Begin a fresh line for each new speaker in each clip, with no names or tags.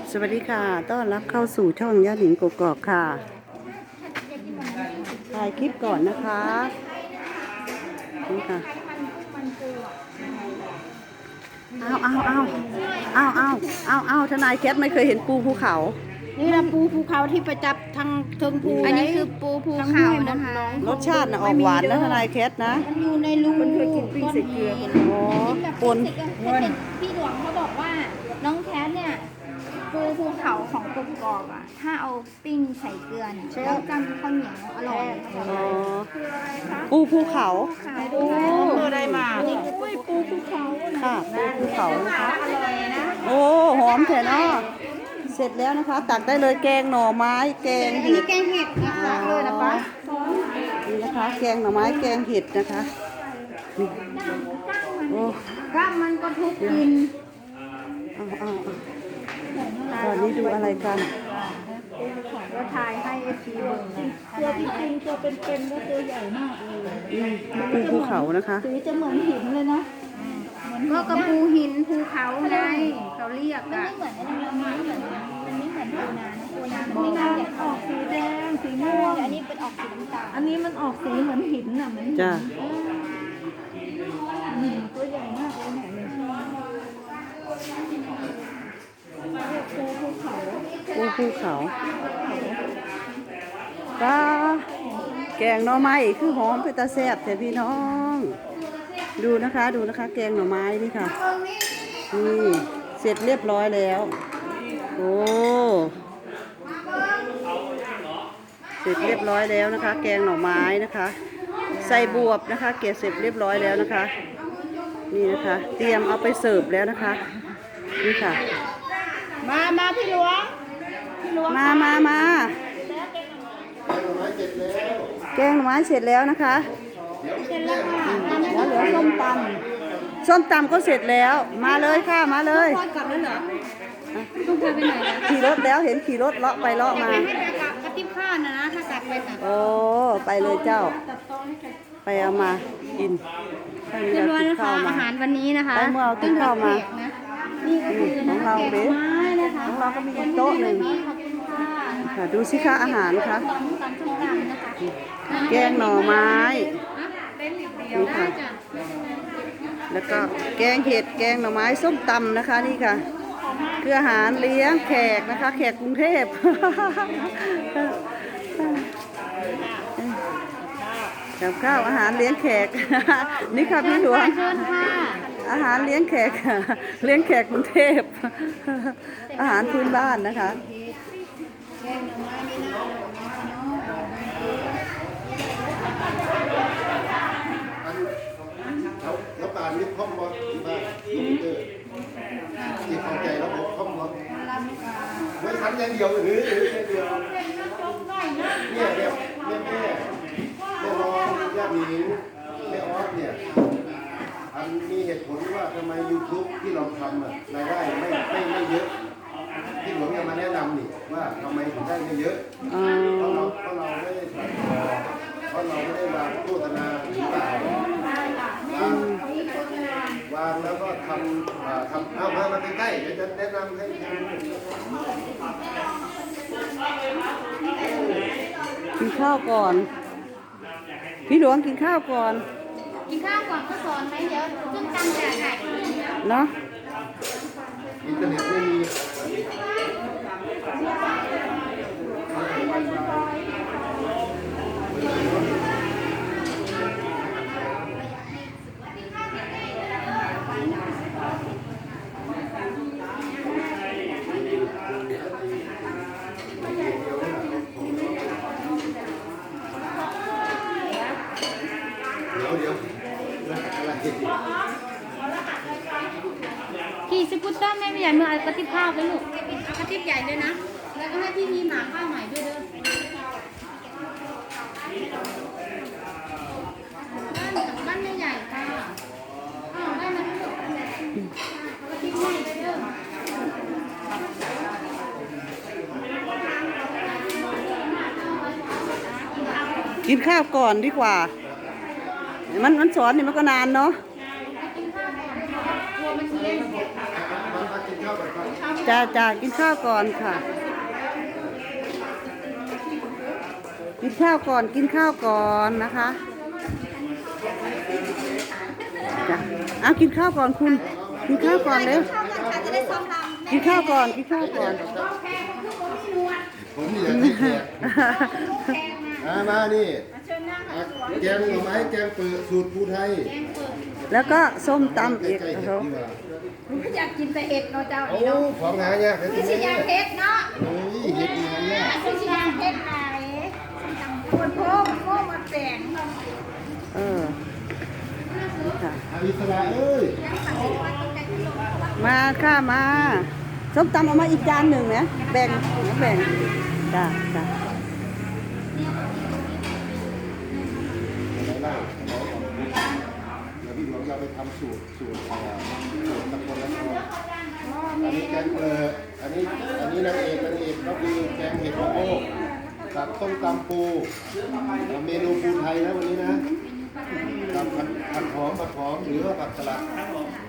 สวัสดีค่ะต้อนรับเข้าสู่ช่องย่าหนิงกกอกค่ะถ่ายคลิปก่อนนะคะนี่ค่ะเอาทนายแคทไม่เคยเห็นปูภูเขา
นี่นะปูภูเขาที่ประจับทางเทิงภู
อันนี้คือปูภูเขานะคะ
รสชาตินะออกหวานนะทนายแคทนะ
มันอยู่ในรูก้อนหิน
อ๋อปน
พี่หลวงเขาบอกว่าน้องแคทเนี่ยปูภูเขาของกบกอกอ่ะถ้าเอาปิ้งใส่เกลือเนี่ยแล้วจำข้าวเหนียวอร่อย
อ๋อปูภูเขา
โอ้ได้มาปูภูเขา
ค่ะปูภูเขานะคะ
อร่อยนะ
โอ้หอมแท้เนาะเสร็จแล้วนะคะ ตักได้เลยแกงหน่อไม้แกง
อัน
เห็
นี้
ด
แกงเห็ดนะคะเลยนะคะ
นี่นะคะแกงหน่อไม้แกงเห็ดนะคะนี่โอ้
ว่ามันก็ทุกกิน
ตอนนี้ดูอะไรกัน
ก็ทายให้ชีเบิ่งตัวที่จริงตัวเป็นๆก็ตัวใหญ่มากเลย
ปูภูเขานะคะ
สีจะเหมือนหินเลยนะ
ก็กระปูหินภูเขาไงเขาเรียก
มัน
อ่ะ
ไม่เหมือนมันไม่เหมือนปูนานะปูนามันไม่เหมือนออกสีแดงสีม่วงอันนี้เป็นออกสีน้ำตาลอันนี้มันออกสีเหมือนหินน่ะเหมือนหิน
จ้า
ตัวใหญ่มากเลยเนี่ยปูภูเขา
ปูภูเขาป้าแกงหน่อไม้คือหอมเป็นตาแซ่บแต่พี่น้อง ดูนะคะแกงหน่อไม้นี่ค่ะนี่เสร็จเรียบร้อยแล้วโอ้เสร็จเรียบร้อยแล้วนะคะ แกงหน่อไม้นะคะ ใส่บวบนะคะเกล็ดเสร็จเรียบร้อยแล้วนะคะนี่นะคะ เตรียมเอาไปเสิร์ฟแล้วนะคะนี่ค่ะ
มาพี่หลวง
มาแกงหน่อไม้เสร็จแล้วนะคะ
เสร็จแล้วค่ะ
แล้วเหลือส้มตำก็เสร็จแล้วมาเลยค่ะมาเลย
ทอดกลับแล้วเหรอ
ต้องพาไปไหนนะ
ขี่รถแล้วเห็นขี่รถเลาะไปเลาะมา
ให้ไปกับกระติบข้าวนะถ้ากลับไปตัก
โอ้ไปเลยเจ้า ไปเอามากิน
เรียบร้อยนะคะอาหารวันนี้นะคะ
ไปเมื่อเอาติดข้าวมา
นี่ก็คือ
ของเราเด้
ไม้นะคะ
ของเราก็มีอีกโต๊ะหนึ่ง
ขอบคุณค่ะ
ค่ะดูสิคะอาหารค่ะ
ตำส้มตำนะคะ
แกงหน่อไม้
เป็นเหลี่ยมเดียวได้จ้ะ
แล้วก็แกงเห็ดแกงหน่อไม้ส้มตำนะคะนี่ค่ะคืออาหารเลี้ยงแขกนะคะ แขกกรุงเทพ กับข้าวอาหารเลี้ยงแขก นี่ค่ะพี่หลวง
เชิญค่ะ
อาหารเลี้ยงแขก เลี้ยงแขกกรุงเทพ อาหารพื้นบ้านนะคะ
แล้วป่านนี้คล่อมบอลที่บ้านลูกเตอร์ที่เข้าใจระบบคล่อมบอลไม่ทันอย่างเดียวหรืออย่างเดียวเนี่ยแม่รองญาติหญิงแม่ออสเนี่ยอันมีเหตุผลว่าทำไม YouTube ที่เราทำรายได้ไม่เยอะที่หลวงจะมาแนะนำนี่ว่าทำไมถึงได้ไม่เยอะเพราะเราไม่ได้เพราะเราไม่ได้วางโฆษณาหรือเปล่าวางแล้วก็ทำเอามาใกล้ๆเดี๋ยวจะแนะนำให้
กินข้าวก่อน พี่หลวงกินข้าวก่อน
กินข้าวก่อนก็สอนไหมเดี๋ยวขึ้นตังค์จ่าย
เนาะ
อินเทอร์เน็ตไม่มี เดี๋ยวอะไร
ขี่สกูตเตอร์แม่ไม่ใหญ่เมื่อเอากระติบข้าวไปลูกเอากระติบใหญ่เลยนะ แล้วก็ให้พี่มีหมาข้าวใหม่ด้วยเด้อบ้านไม่ใหญ่ค่ะอ้าวได้มาลูกกระติบใหญ่ไปเด้อ
กินข้าวก่อนดีกว่า มันสอนนี่มันก็นานเนาะ
กินข้าวก่อนกลัวมันเย็น
มากินข้าวก่อน
จ้ากินข้าวก่อนค่ะ กินข้าวก่อนนะคะจ้ะเอากินข้าวก่อนคุณ กินข้าวก่อนเร็ว
เข้ากันค่ะจะได้ซ้อมรำ
กินข้าวก่อน
ผมนี่แหละที่แขกมานี่แกงหน่อไม้แกงเปิดสูตรภูไทย
แล้วก็ส้มตำอีก
ใกล้ๆ
โอ้
เห็
โห
ดดีกว่า
อยากกินแต่เห็ดเนาะเจ้า
โอ้
นี่เนาะ
ของหายากเลย
ไม่
ที
ใช่
นี้
ยางเห็ดเนาะ
โอ้ยเห็ดดีหายาก
ไม่ใช่ยางเห็ดไหนคนโพกมาแต่ง
เออค่ะ
อาอิสระเอ้ย
มาค่ะมาส้มตำเอามาอีกจานหนึ่งนะแบ่งจ้า
ไหนบ้างเดี๋ยวพี่หลวงเราไปทำสูตรตะโกนแล้วอันนี้แกงเปิดอันนี้นางเอกก็คือแกงเห็ดมะโม่กับต้มตำปูเมนูปูไทยนะวันนี้นะกับผัดหอมหรือว่าผัดสลัดผัดหอม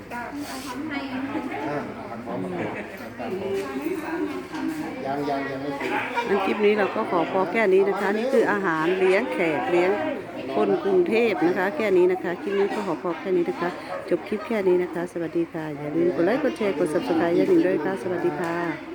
ยังไม่ถึง
อันคลิปนี้เราก็ขอพอแค่นี้นะคะ นี่คืออาหารเลี้ยงแขกเลี้ยงคนกรุงเทพนะคะ แค่นี้นะคะคลิปนี้ก็ขอพอแค่นี้นะคะ จบคลิปแค่นี้นะคะ สวัสดีค่ะอย่าลืมกดไลค์กดแชร์กด subscribe อย่าลืมด้วยค่ะสวัสดีค่ะ